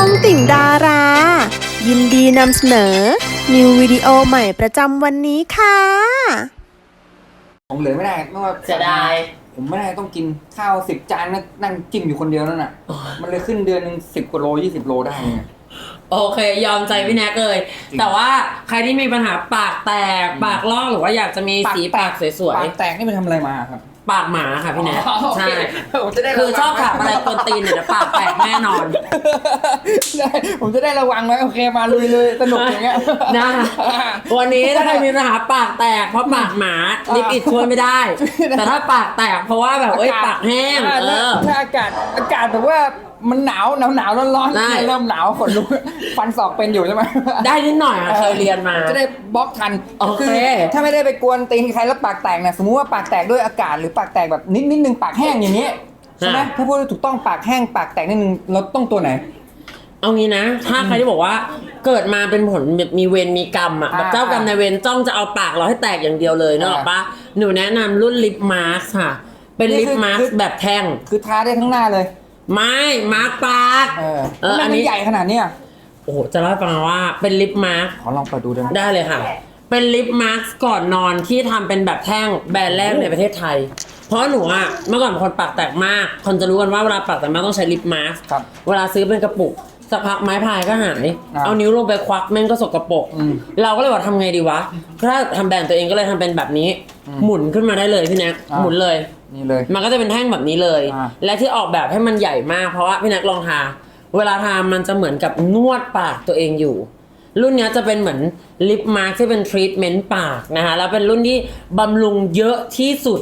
องติ่งดารา ยินดีนำเสนอ นิววิดีโอใหม่ประจำวันนี้ค่ะผมเหลือไม่ได้ไม่ว่าเสียดายผมไม่ได้ต้องกินข้าว10 จานนั่งจิ้มอยู่คนเดียวนั่นน่ะ มันเลยขึ้นเดือนหนึ่ง10 กว่าโล20 โลได้ไงโอเคยอมใจพี่แน็กเลย แต่ว่าใครที่มีปัญหาปากแตกปากลอกหรือว่าอยากจะมีสีปากสวยปากแตกนี่ไปทำอะไรมาครับๆปากหมาค่ะพี่แน็กใช่ผมจะได้คือชอบขับอะไรกวนตีนเนี่ยเดี๋ยวปากแตกแน่นอนได้ผมจะได้ระวังไว้โอเคมาลุยเลยสนุกอย่างเงี้ยนะวันนี้ถ้าใครมีปัญหาปากแตกเพราะปากหมาลิปอิดช่วยไม่ได้ แต่ถ้าปากแตกเพราะว่าแบบปากแห้งถ้าอากาศแบบว่ามันหนาวร้อนเริ่มหนาวขนลุกฟันศอกเป็นอยู่ใช่ไหมได้นิดหน่อยค่ะเคยเรียนมาจะได้บล็อกทันโอเคถ้าไม่ได้ไปกวนตีนใครแล้วปากแตกนะสมมุติว่าปากแตกด้วยอากาศหรือปากแตกแบบนิดนึงปากแห้งอย่างนี้ใช่ไหมถ้าพูดถูกต้องปากแห้งปากแตกนิดนึงเราต้องตัวไหนเอางี้นะถ้าใครที่บอกว่าเกิดมาเป็นผลแบบมีเวรมีกรรมอ่ะแบบเจ้ากรรมนายเวรจ้องจะเอาปากเราให้แตกอย่างเดียวเลยนึกออกปะหนูแนะนำรุ่นลิปมาสค่ะ เป็นลิปมาสแบบแท่งคือทาได้ทั้งหน้าเลยไม่มาร์กปากอันนี้ใหญ่ขนาดนี้โอ้โหจะเล่าให้ฟังว่าเป็นลิปมาสขอลองเปิดดูได้ไหมได้เลยค่ะ เป็นลิปมาสก่อนนอนที่ทำเป็นแบบแท่งแบรนด์แรกในประเทศไทย เพราะหนูอะเมื่อก่อนเป็นคนปากแตกมากคนจะรู้กันว่าเวลาปากแตกมากต้องใช้ลิปมาสครับเวลาซื้อเป็นกระปุกสักพักไม้พายก็หายเอานิ้วลงไปควักแม่งก็สกปรกเราก็เลยว่าทำไงดีวะถ้าทำแบรนด์ตัวเองก็เลยทำเป็นแบบนี้ หมุนขึ้นมาได้เลยพี่แน็กหมุนเลยนี่เลยมันก็จะเป็นแท่งแบบนี้เลย และที่ออกแบบให้มันใหญ่มากเพราะว่าพี่แน็กลองทาเวลาทามันจะเหมือนกับนวดปากตัวเองอยู่ รุ่นนี้จะเป็นเหมือนลิปมาร์คที่เป็นทรีทเมนต์ปากนะคะแล้วเป็นรุ่นที่บำรุงเยอะที่สุด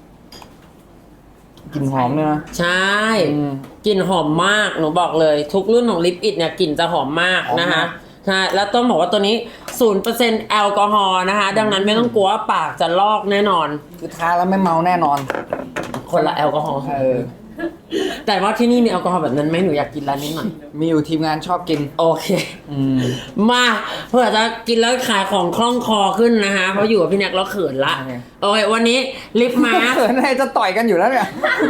กลิ่นหอมเนี่ยนะใช่กลิ่นหอมมากหนูบอกเลยทุกรุ่นของลิปอิดเนี่ยกลิ่นจะหอมมากนะคะใช่แล้วต้องบอกว่าตัวนี้ 0% แอลกอฮอล์นะคะดังนั้นไม่ต้องกลัวว่าปากจะลอกแน่นอนคือทาแล้วไม่เมาแน่นอนคนละแอลกอฮอล์แต่ว่าที่นี่มีแอลกอฮอล์แบบนั้นไหมหนูอยากกินร้านนี้หน่อยมีอยู่ทีมงานชอบกินโอเคมาเพื่อจะกินแล้วขายของคล่องคอขึ้นนะคะเพราะอยู่กับพี่แน็กแล้วเขินละ โอเควันนี้ลิปมาร์คเขินอะไรจะต่อยกันอยู่แล้วเนี่ย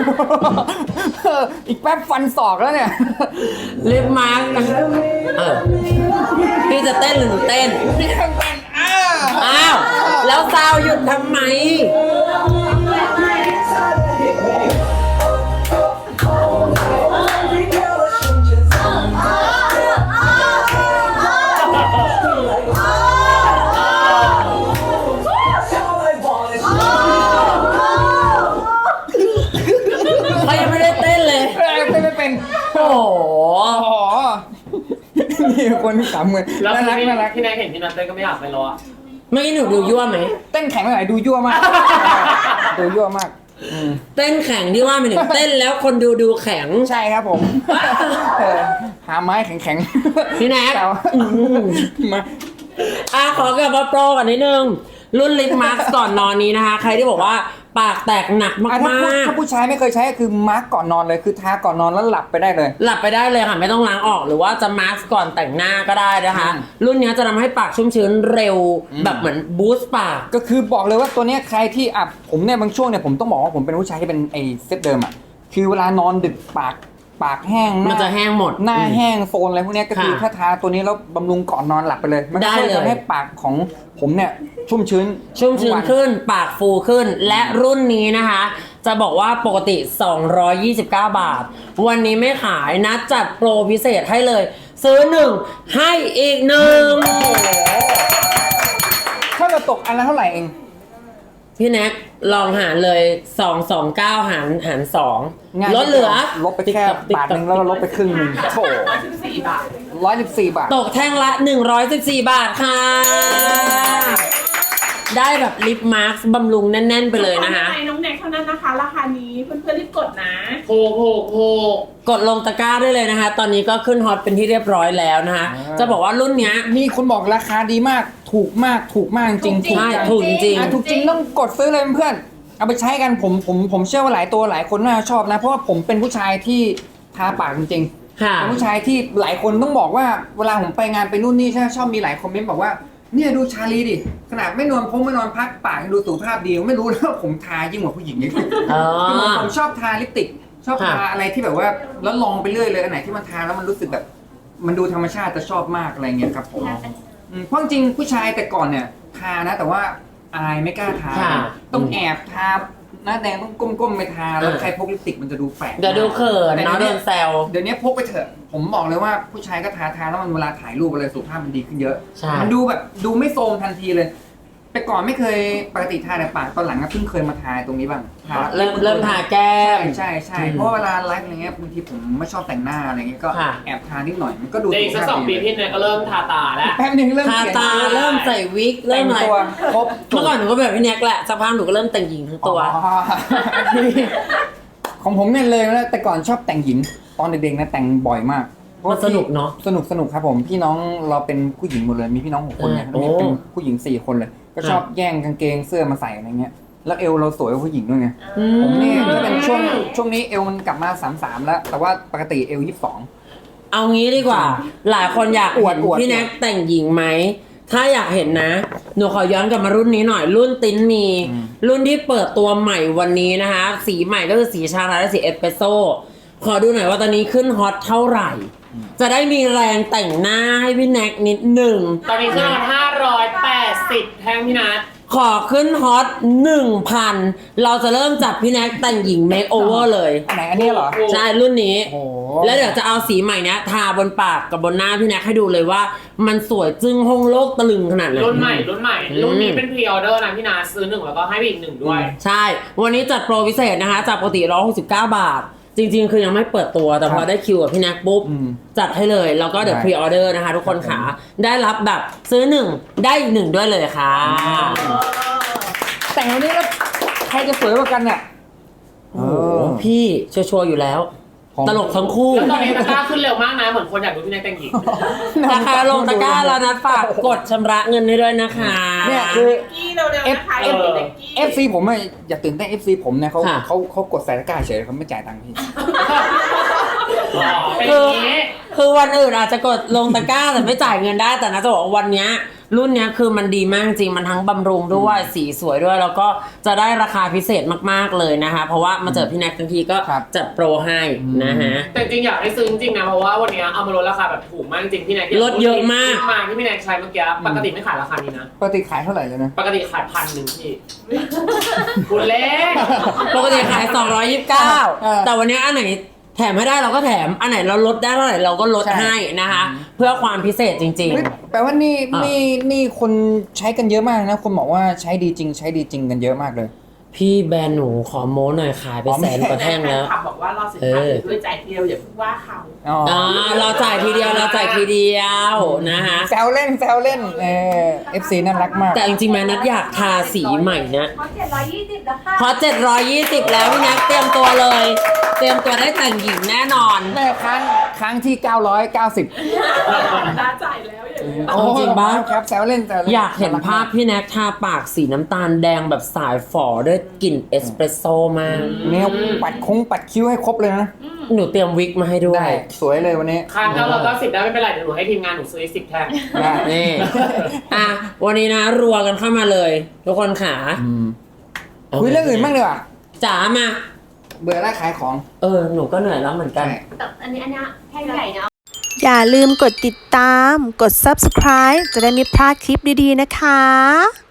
อีกแป๊บฟันศอกแล้วเนี่ยลิปมาร์คพี่จะเต้นหรือหนูเต้นพี่ทำเป็นอ้าวแล้วซาวหยุดทำไมเขายังไม่ได้เต้นเลยไม่เป็นโอ้โหอ๋อนี่คนที่3 มือแล้วน่ารักน่ารักพี่นายเห็นพี่นัทเต้นก็ไม่อยากไปรออ่ะเมื่อกี้หนูดูยั่วไหมเต้นแข็งไปไหนดูยั่วมาก ดูยั่วมากเต้นแข็งที่ว่าไม่ถึงเต้นแล้วคนดูแข็งใช่ครับผม หาไม้แข็งๆพี่แน็กมาขอกลับมาโปรกันนิดนึง รุ่นลิปมาร์คก่อนนอนนี้นะคะ ใครที่บอกว่าปากแตกหนักมากถ้าผู้ชายไม่เคยใช้ก็คือมาร์กก่อนนอนเลยคือทาก่อนนอนแล้วหลับไปได้เลยหลับไปได้เลยค่ะไม่ต้องล้างออกหรือว่าจะมาร์คก่อนแต่งหน้าก็ได้นะคะ รุ่นนี้จะทำให้ปากชุ่มชื้นเร็วแบบเหมือนบูสต์ปากก็คือบอกเลยว่าตัวเนี้ยใครที่ผมเนี่ยบางช่วงเนี่ยผมต้องบอกว่าผมเป็นผู้ชายที่เป็นไอ้เซตเดิมคือเวลานอนดึกปากแห้งมันจะแห้งหมดหน้าแห้งโซนอะไรพวกเนี้ยก็คือถ้าทาตัวนี้แล้วบำรุงก่อนนอนหลับไปเลยมันก็จะทำให้ปากของผมเนี่ยชุ่มชื้นขึ้นปากฟูขึ้นและรุ่นนี้นะคะ จะบอกว่าปกติ229 บาท วันนี้ไม่ขายนะจัดโปรพิเศษให้เลย ซื้อ1ให้อีก1 ถ้าเราตกอันละเท่าไหร่เองพี่แน็กลองหารเลย229หาร2ลดเหลือลดไปแค่บาทนึงแล้วเราลดไปครึ่งนึงโถ 14 บาท 114 บาทตกแท่งละ114 บาทค่ะ ได้แบบลิปมาร์คบำรุงแน่นๆไปเลยนะคะน้องแน็กเท่านั้นนะคะ ราคานี้เพื่อนๆรีบกดนะโหกดลงตะกร้าได้เลยนะคะ ตอนนี้ก็ขึ้นฮอตเป็นที่เรียบร้อยแล้วนะคะ จะบอกว่ารุ่นเนี้ยมีคนบอกราคาดีมากถูกมากจริงใช่ถูกจริงถูกจริงต้องกดซื้อเลยเพื่อนเอาไปใช้กันผมเชื่อว่าหลายตัวหลายคนน่าชอบนะ เพราะว่าผมเป็นผู้ชายที่ทาปากจริงๆค่ะเป็นผู้ชายที่หลายคนต้องบอกว่าเวลาผมไปงานไปนู่นนี่ใช่ชอบมีหลายคอมเมนต์บอกว่าเนี่ยดูชาลีดิขนาดไม่นอนพักปากดูสุขภาพดีไม่รู้แล้วผมทายิ่งกว่าผู้หญิงอีกผมชอบทาลิปสติกชอบทาอะไรที่แบบว่าแล้วลองไปเรื่อยเลยอันไหนที่มันทาแล้วมันรู้สึกแบบมันดูธรรมชาติจะชอบมากอะไรเงี้ยครับผมเพราะจริงๆผู้ชายแต่ก่อนเนี่ยทานะแต่ว่าอายไม่กล้าทาค่ะต้องแอบทาหน้าแดงต้องก้มๆไปทาแล้วใครพกลิปสติกมันจะดูแปลกเดี๋ยวดูเขินเนาะโดนแซวเดี๋ยวนี้พกไปเถอะผมบอกเลยว่าผู้ชายก็ทาแล้วมันเวลาถ่ายรูปอะไรสุขภาพมันดีขึ้นเยอะใช่มันดูแบบดูไม่โทรมทันทีเลยแต่ก่อนไม่เคยปกติทาแต่ปากตอนหลังก็เพิ่งเคยมาทาตรงนี้บ้างทาเริ่มทาแก้มใช่ใช่อืมเพราะเวลาไลฟ์อะไรเงี้ยบางทีผมไม่ชอบแต่งหน้าอะไรเงี้ยก็ค่ะแอบทานิดหน่อยมันก็ดูเด็กสัก 2 ปีพี่เนี่ยก็เริ่มทาตาแล้วแป๊บนึงเริ่มทาเขียนตาเริ่มใส่วิกแต่เริ่มงอะไรตัวครบเมื่อก่อนหนูก็แบบพี่แน็กแหละสักพักหนูก็เริ่มแต่งหญิงทั้งตัวอ๋อ ของผมเนี่ยเลยนะแต่ก่อนชอบแต่งหญิงตอนเด็กๆนะแต่งบ่อยมากมันสนุกเนอะสนุกครับผมพี่น้องเราเป็นผู้หญิงหมดเลยมีพี่น้อง6 คนเนี่ยโอ้แล้วมีเป็นผู้หญิง4 คนเลย ก็ชอบแย่งกางเกงเสื้อมาใส่อะไรเงี้ยแล้วเอวเราสวยกว่าผู้หญิงด้วยไงผมนี่ก็เป็นช่วงนี้เอวมันกลับมา33แล้ว แต่ว่าปกติเอว22 เอางี้ดีกว่า หลายคนอยากอวดเห็นอวดพี่แน็กแต่งหญิงไหม ถ้าอยากเห็นนะ หนูขอย้อนกลับมารุ่นนี้หน่อย รุ่นติ้นมี รุ่นที่เปิดตัวใหม่วันนี้นะคะ สีใหม่ก็คือสีชาไทยและสีเอสเปรสโซ่ขอดูหน่อยว่าตอนนี้ขึ้นฮอตเท่าไหร่ จะได้มีแรงแต่งหน้าให้พี่แน็กนิดหนึ่งตอนนี้ขึ้นมา580แท่งพี่นัทขอขึ้นฮอต 1,000 เราจะเริ่มจับพี่แน็กแต่งหญิงเมคโอเวอร์เลยอันไหนอันนี้เหรอใช่รุ่นนี้โอ้โหแล้วเดี๋ยวจะเอาสีใหม่เนี้ยทาบนปากกับบนหน้าพี่แน็กให้ดูเลยว่า มันสวยจึ้งห้องโลกตะลึงขนาดไหนรุ่นใหม่รุ่นนี้เป็นพรีออเดอร์นะพี่นัทซื้อ1แล้วก็ให้ไปอีก1ด้วยใช่ วันนี้จัดโปรพิเศษนะคะจากปกติ169 บาท จริงๆ คือยังไม่เปิดตัวแต่พอได้คิวกับพี่แน็กปุ๊บ จัดให้เลย แล้วก็เดี๋ยวได้พรีออเดอร์นะคะทุกคนขาได้รับแบบซื้อ1ได้อีก1ด้วยเลยค่ะแต่งวันนี้แล้วใครจะสวยกว่ากันเนี่ยโอ้โหพี่ชัวร์ๆอยู่แล้วของตลกทั้งคู่แล้วตอนนี้ตะกร้าขึ้นเร็วมากนะเหมือนคนอยากดูพี่นัทแต่งหญิงราคาลงตะกร้าแล้วนะฝากกดชำระเงินให้ด้วยนะคะเนี่ยคือกี้เร็วๆนะคะเอฟเด็กกี้ FC ผมอะอย่าตื่นเต้น FC ผมเนี่ยเขาค่ะเขากดใส่ตะกร้าเฉยเขาไม่จ่ายตังค์พี่เป็นอย่างนี้คือวันอื่นอาจจะกดลงตะกร้าแต่ไม่จ่ายเงินได้แต่นะจะบอกว่าวันเนี้ยรุ่นเนี้ยคือมันดีมากจริงมันทั้งบำรุงด้วยสีสวยด้วย แล้วก็จะได้ราคาพิเศษมากๆเลยนะคะ เพราะว่ามาเจอพี่แน็กทั้งทีก็ครับจัดโปรให้นะฮะแต่จริงอยากให้ซื้อจริงๆนะเพราะว่าวันนี้เอามาลดราคาแบบถูกมากจริงพี่แน็กลดเยอะมากมาที่พี่แน็กใช้เมื่อกี้ปกติไม่ขายราคานี้นะปกติขายเท่าไหร่เลยนะปกติขาย1,000พี่คุณเล็กปกติขาย 229 แต่วันนี้อันไหนแถมให้ได้เราก็แถมอันไหนเราลดได้เท่าไหร่เราก็ลดใช่ให้นะคะ เพื่อความพิเศษจริงเฮ้ยแปลว่านี่คนใช้กันเยอะมากนะคนบอกว่าใช้ดีจริงกันเยอะมากเลยๆ พี่แบรนด์หนูขอโม้หน่อยขายไป100,000 กว่าแท่งแล้วฟนคลับบอกว่ารอสินค้าถึงด้วยใจเดียวอย่าเพิ่งว่าเขาอ่าเราจ่ายทีเดียวนะคะแซวเล่นFC น่ารักมากแต่จริงๆแม่นัดอยากทาสีใหม่นะเขา720แล้วค่ะพอ720 แล้วพี่แน็กเตรียมตัวเลย เตรียมตัวได้แต่งหญิงแน่นอนแม่ครั้งที่ 990 น่าจ่ายแล้วอย่างนี้เอาจริงปะครับแซวเล่นอยากเห็นภาพพี่แน็กทาปากสีน้ำตาลแดงแบบสายฝ่อด้วยกลิ่นเอสเปรสโซ่มากเนี่ยปัดคิ้วให้ครบเลยนะหนูเตรียมวิกมาให้ด้วยได้สวยเลยวันนี้ค้าง990ได้ไม่เป็นไรเดี๋ยวหนูให้ทีมงานหนูซื้อ10แท่งได้นี่ อ่ะ วันนี้นะรัวกันเข้ามาเลย ทุกคนขาคุยเรื่องอื่นบ้างดีกว่าจ๋ามาเบื่อแล้วขายของหนูก็เหนื่อยแล้วเหมือนกันแต่อันนี้แท่งใหญ่เนาะอย่าลืมกดติดตาม กด subscribe จะได้ไม่พลาดคลิปดีๆนะคะ